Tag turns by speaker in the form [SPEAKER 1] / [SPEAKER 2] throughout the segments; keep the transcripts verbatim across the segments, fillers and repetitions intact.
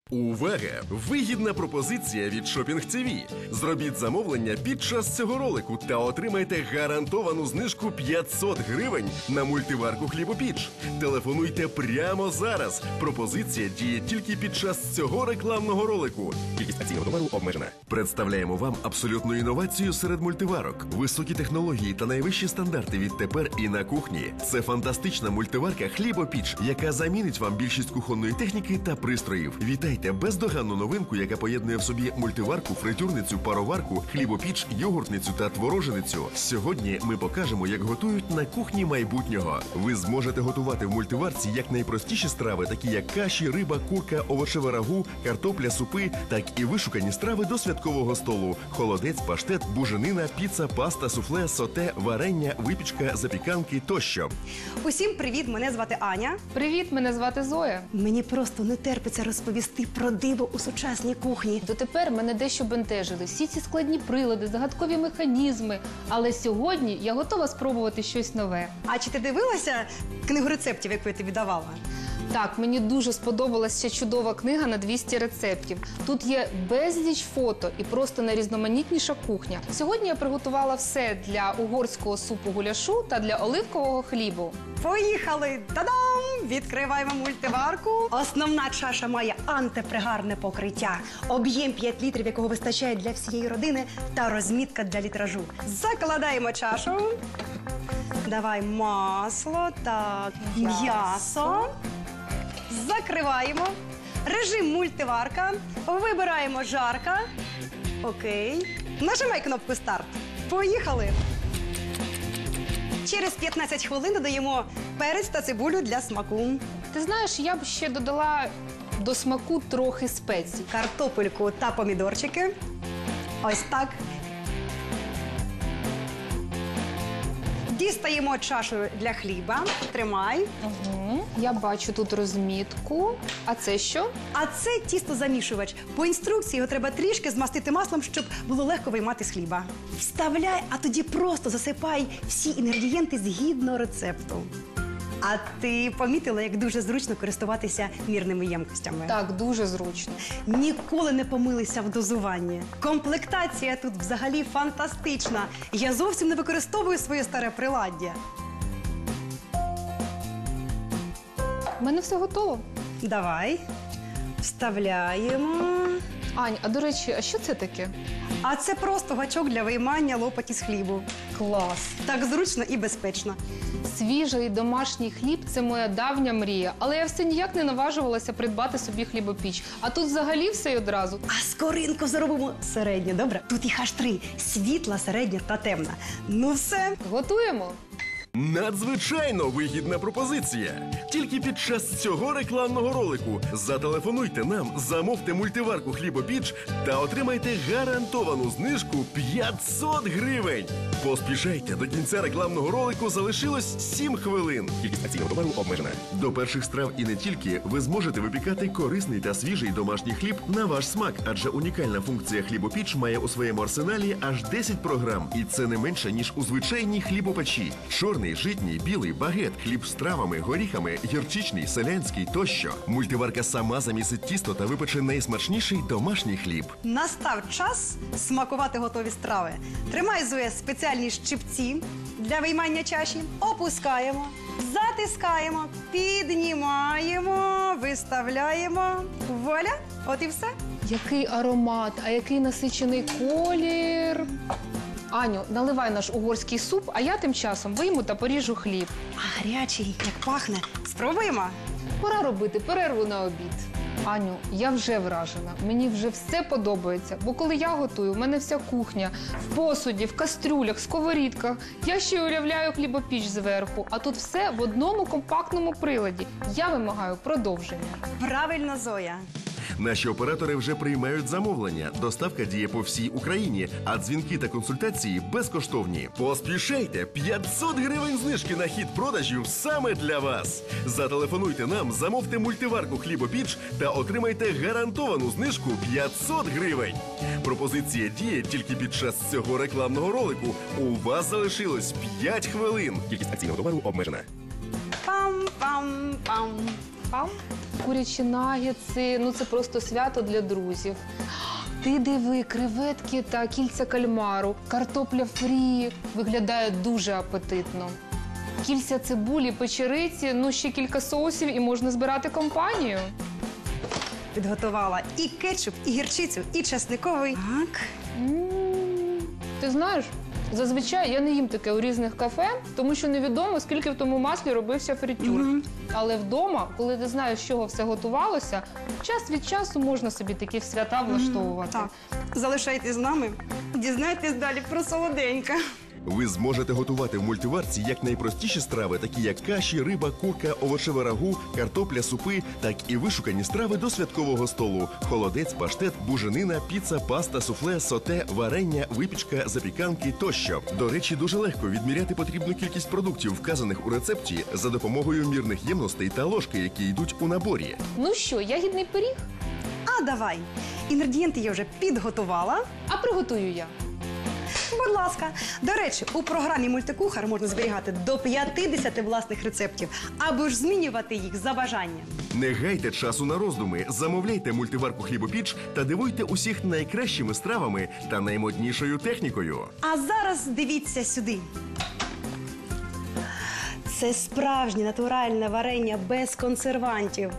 [SPEAKER 1] Увага! Вигідна пропозиція від Шопінг ТВ. Зробіть замовлення під час цього ролику та отримайте гарантовану знижку п'ятсот гривень на мультиварку хлібопіч. Телефонуйте прямо зараз. Пропозиція діє тільки під час цього рекламного ролику. Кількість акційного товару обмежена. Представляємо вам абсолютну інновацію серед мультиварок. Високі технології та найвищі стандарти відтепер і на кухні. Це фантастична мультиварка хлібопіч, яка замінить вам більшість кухонної техніки та пристроїв. Вітайте! Бездоганну новинку, яка поєднує в собі мультиварку, фритюрницю, пароварку, хлібопіч, йогуртницю та твороженицю. Сьогодні ми покажемо, як готують на кухні майбутнього. Ви зможете готувати в мультиварці як найпростіші страви, такі як каші, риба, курка, овочеве рагу, картопля, супи, так і вишукані страви до святкового столу. Холодець, паштет, буженина, піца, паста, суфле, соте, варення, випічка, запіканки тощо.
[SPEAKER 2] Усім привіт, мене звати Аня.
[SPEAKER 3] Привіт, мене звати Зоя.
[SPEAKER 2] Мені просто не терпиться розповісти про диво у сучасній кухні.
[SPEAKER 3] Дотепер мене дещо бентежили всі ці складні прилади, загадкові механізми. Але сьогодні я готова спробувати щось нове.
[SPEAKER 2] А чи ти дивилася книгу рецептів, яку я тобі давала?
[SPEAKER 3] Так, мені дуже сподобалася чудова книга на двісті рецептів. Тут є безліч фото і просто найрізноманітніша кухня. Сьогодні я приготувала все для угорського супу гуляшу та для оливкового хлібу.
[SPEAKER 2] Поїхали! Та-дам! Відкриваємо мультиварку. Основна чаша має антипригарне покриття, об'єм п'ять літрів, якого вистачає для всієї родини, та розмітка для літражу. Закладаємо чашу. Давай масло, так, м'ясо. Закриваємо. Режим мультиварка. Вибираємо жарка. Окей. Нажимай кнопку старт. Поїхали. Через п'ятнадцять хвилин додаємо перець та цибулю для смаку.
[SPEAKER 3] Ти знаєш, я б ще додала до смаку трохи спецій.
[SPEAKER 2] Картопельку та помідорчики. Ось так. Дістаємо чашу для хліба. Тримай.
[SPEAKER 3] Угу. Я бачу тут розмітку. А це що?
[SPEAKER 2] А це тістозамішувач. По інструкції його треба трішки змастити маслом, щоб було легко виймати з хліба. Вставляй, а тоді просто засипай всі інгредієнти згідно рецепту. А ти помітила, як дуже зручно користуватися мірними ємкостями?
[SPEAKER 3] Так, дуже зручно.
[SPEAKER 2] Ніколи не помилися в дозуванні. Комплектація тут взагалі фантастична. Я зовсім не використовую своє старе приладдя.
[SPEAKER 3] У мене все готово.
[SPEAKER 2] Давай. Вставляємо.
[SPEAKER 3] Ань, а до речі, а що це таке?
[SPEAKER 2] А це просто гачок для виймання лопаті з хлібу.
[SPEAKER 3] Клас!
[SPEAKER 2] Так зручно і безпечно.
[SPEAKER 3] Свіжий домашній хліб – це моя давня мрія. Але я все ніяк не наважувалася придбати собі хлібопіч. А тут взагалі все й одразу.
[SPEAKER 2] А скоринку зробимо середню, добре? Тут їх аж три – світла, середня та темна. Ну все.
[SPEAKER 3] Готуємо?
[SPEAKER 1] Надзвичайно вигідна пропозиція. Тільки під час цього рекламного ролику зателефонуйте нам, замовте мультиварку хлібопіч та отримайте гарантовану знижку п'ятсот гривень. Поспішайте, до кінця рекламного ролику залишилось сім хвилин. Кількість акційного товару обмежена. До перших страв і не тільки ви зможете випікати корисний та свіжий домашній хліб на ваш смак, адже унікальна функція хлібопіч має у своєму арсеналі аж десять програм. І це не менше, ніж у звичайній хлібопечі. Чорний, житній, білий, багет, хліб з травами, горіхами, гірчичний, селянський тощо. Мультиварка сама замісить тісто та випече найсмачніший домашній хліб.
[SPEAKER 2] Настав час смакувати готові страви. Тримай, Зоя, спеціальні щипці для виймання чаші. Опускаємо, затискаємо, піднімаємо, виставляємо. Вуаля! От і все.
[SPEAKER 3] Який аромат, а який насичений колір. Аню, наливай наш угорський суп, а я тим часом вийму та поріжу хліб.
[SPEAKER 2] А гарячий, як пахне. Спробуємо.
[SPEAKER 3] Пора робити перерву на обід. Аню, я вже вражена. Мені вже все подобається. Бо коли я готую, в мене вся кухня в посуді, в кастрюлях, сковорідках. Я ще й уявляю хлібопіч зверху. А тут все в одному компактному приладі. Я вимагаю продовження.
[SPEAKER 2] Правильно, Зоя.
[SPEAKER 1] Наші оператори вже приймають замовлення. Доставка діє по всій Україні, а дзвінки та консультації безкоштовні. Поспішайте! п'ятсот гривень знижки на хід продажів саме для вас. Зателефонуйте нам, замовте мультиварку хлібопіч та отримайте гарантовану знижку п'ятсот гривень. Пропозиція діє тільки під час цього рекламного ролику. У вас залишилось п'ять хвилин. Кількість акційного товару обмежена.
[SPEAKER 2] Пам-пам-пам.
[SPEAKER 3] Пам. Курячі нагетси, ну це просто свято для друзів. Ти диви, креветки та кільця кальмару, картопля фрі. Виглядає дуже апетитно. Кільця цибулі, печериці, ну ще кілька соусів і можна збирати компанію.
[SPEAKER 2] Підготувала і кетчуп, і гірчицю, і чесниковий. Так.
[SPEAKER 3] М, Ти знаєш, зазвичай я не їм таке у різних кафе, тому що невідомо, скільки в тому маслі робився фритюр.
[SPEAKER 2] Мгм.
[SPEAKER 3] Але вдома, коли ти знаєш, з чого все готувалося, час від часу можна собі такі свята влаштовувати.
[SPEAKER 2] Так. Залишайтесь з нами, дізнайтесь далі про солоденьке.
[SPEAKER 1] Ви зможете готувати в мультиварці як найпростіші страви, такі як каші, риба, курка, овочеве рагу, картопля, супи, так і вишукані страви до святкового столу: холодець, паштет, буженина, піца, паста, суфле, соте, варення, випічка, запіканки тощо. До речі, дуже легко відміряти потрібну кількість продуктів, вказаних у рецепті, за допомогою мірних ємностей та ложки, які йдуть у наборі.
[SPEAKER 3] Ну що, ягідний пиріг?
[SPEAKER 2] А давай. Інгредієнти я вже підготувала.
[SPEAKER 3] А приготую я.
[SPEAKER 2] Будь ласка. До речі, у програмі «Мультикухар» можна зберігати до п'ятдесят власних рецептів, або ж змінювати їх за бажанням.
[SPEAKER 1] Не гайте часу на роздуми, замовляйте мультиварку «Хлібопіч» та дивуйте усіх найкращими стравами та наймоднішою технікою.
[SPEAKER 2] А зараз дивіться сюди. Це справжнє натуральне варення без консервантів.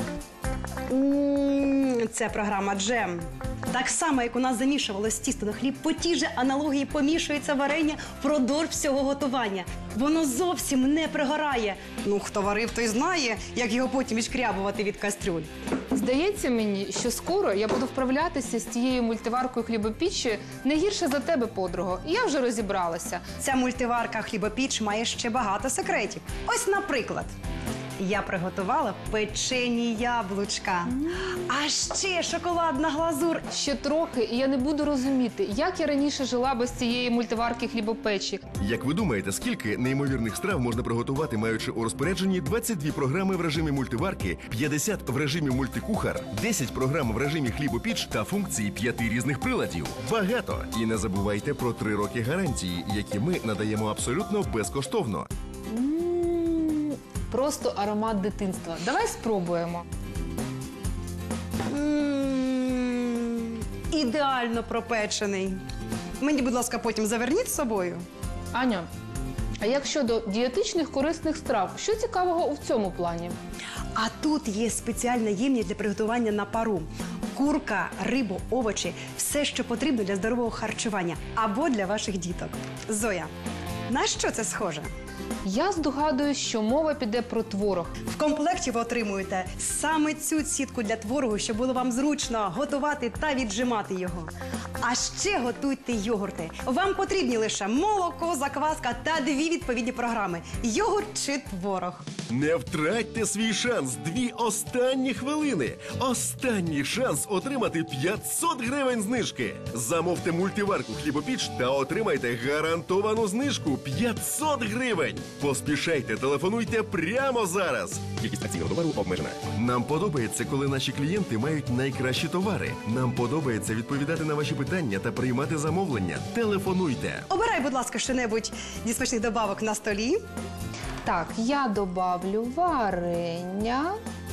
[SPEAKER 2] М, Це програма «Джем». Так само, як у нас замішувалось тісто на хліб, по тій же аналогії помішується варення впродовж всього готування. Воно зовсім не пригорає. Ну, хто варив, той знає, як його потім відшкрябувати від кастрюль.
[SPEAKER 3] Здається мені, що скоро я буду вправлятися з цією мультиваркою хлібопіччю не гірше за тебе, подруго. Я вже розібралася.
[SPEAKER 2] Ця мультиварка хлібопіч має ще багато секретів. Ось, наприклад, я приготувала печені яблучка. А ще шоколадна глазур.
[SPEAKER 3] Ще трохи, і я не буду розуміти, як я раніше жила без цієї мультиварки хлібопечі.
[SPEAKER 1] Як ви думаєте, скільки неймовірних страв можна приготувати, маючи у розпорядженні двадцять дві програми в режимі мультиварки, п'ятдесят в режимі мультикухар, десять програм в режимі хлібопіч та функції п'яти різних приладів? Багато! І не забувайте про три роки гарантії, які ми надаємо абсолютно безкоштовно.
[SPEAKER 3] М, Просто аромат дитинства. Давай спробуємо.
[SPEAKER 2] М, Ідеально пропечений. Мені, будь ласка, потім заверніть з собою.
[SPEAKER 3] Аня, а як щодо дієтичних корисних страв, що цікавого у цьому плані?
[SPEAKER 2] А тут є спеціальна ємність для приготування на пару. Курка, рибу, овочі – все, що потрібно для здорового харчування або для ваших діток. Зоя, на що це схоже?
[SPEAKER 3] Я здогадуюсь, що мова піде про творог.
[SPEAKER 2] В комплекті ви отримуєте саме цю сітку для творогу, щоб було вам зручно готувати та віджимати його. А ще готуйте йогурти. Вам потрібні лише молоко, закваска та дві відповідні програми – йогурт чи творог.
[SPEAKER 1] Не втратьте свій шанс. Дві останні хвилини. Останній шанс отримати п'ятсот гривень знижки. Замовте мультиварку хлібопіч та отримайте гарантовану знижку п'ятсот гривень. Поспішайте, телефонуйте прямо зараз. Кількість акційного товару обмежена. Нам подобається, коли наші клієнти мають найкращі товари. Нам подобається відповідати на ваші питання та приймати замовлення. Телефонуйте.
[SPEAKER 2] Обирай, будь ласка, що-небудь зі смачних добавок на столі.
[SPEAKER 3] Так, я добавлю варення,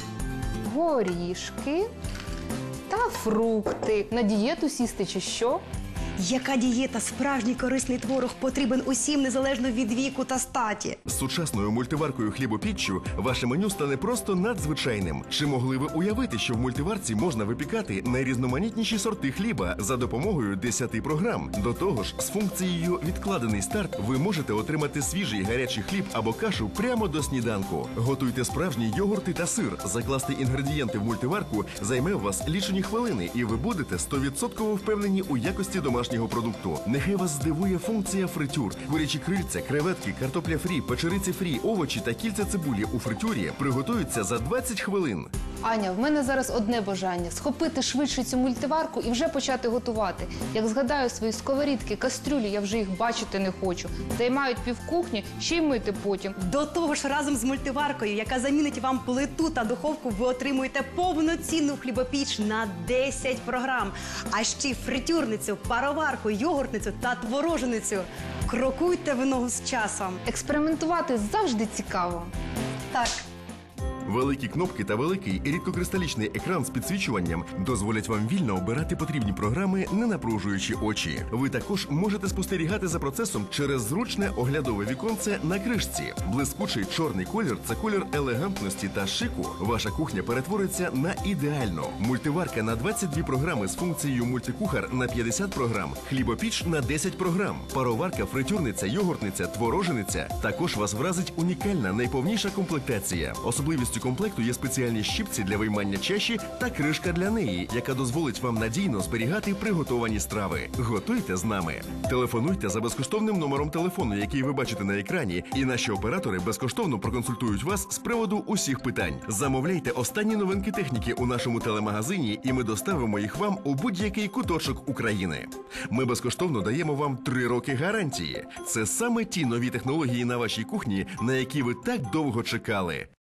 [SPEAKER 3] горішки та фрукти. На дієту сісти чи що?
[SPEAKER 2] Яка дієта, справжній корисний творог потрібен усім, незалежно від віку та статі.
[SPEAKER 1] З сучасною мультиваркою хлібопіччю ваше меню стане просто надзвичайним. Чи могли ви уявити, що в мультиварці можна випікати найрізноманітніші сорти хліба за допомогою десяти програм? До того ж, з функцією «Відкладений старт» ви можете отримати свіжий гарячий хліб або кашу прямо до сніданку. Готуйте справжні йогурти та сир. Закласти інгредієнти в мультиварку займе у вас лічені хвилини, і ви будете сто відсотків впевнені у якості домашнього продукту. Нехай вас здивує функція фритюр. Курячі крильця, креветки, картопля фрі, печериці фрі, овочі та кільця цибулі у фритюрі приготуються за двадцять хвилин.
[SPEAKER 3] Аня, в мене зараз одне бажання – схопити швидше цю мультиварку і вже почати готувати. Як згадаю свої сковорідки, кастрюлі, я вже їх бачити не хочу. Займають півкухні, ще й мити потім.
[SPEAKER 2] До того ж, разом з мультиваркою, яка замінить вам плиту та духовку, ви отримуєте повноцінну хлібопіч на десять програм. А ще й фритюрницю, пароварку, йогуртницю та твороженицю. Крокуйте в ногу з часом.
[SPEAKER 3] Експериментувати завжди цікаво.
[SPEAKER 2] Так.
[SPEAKER 1] Великі кнопки та великий рідкокристалічний екран з підсвічуванням дозволять вам вільно обирати потрібні програми, не напружуючи очі. Ви також можете спостерігати за процесом через зручне оглядове віконце на кришці. Блискучий чорний колір – це колір елегантності та шику. Ваша кухня перетвориться на ідеальну. Мультиварка на двадцять дві програми з функцією мультикухар на п'ятдесят програм, хлібопіч на десять програм, пароварка, фритюрниця, йогуртниця, творожениця. Також вас вразить унікальна найповніша комплектація. Особливістю комплекту є спеціальні щипці для виймання чаші та кришка для неї, яка дозволить вам надійно зберігати приготовані страви. Готуйте з нами. Телефонуйте за безкоштовним номером телефону, який ви бачите на екрані, і наші оператори безкоштовно проконсультують вас з приводу усіх питань. Замовляйте останні новинки техніки у нашому телемагазині, і ми доставимо їх вам у будь-який куточок України. Ми безкоштовно даємо вам три роки гарантії. Це саме ті нові технології на вашій кухні, на які ви так довго чекали.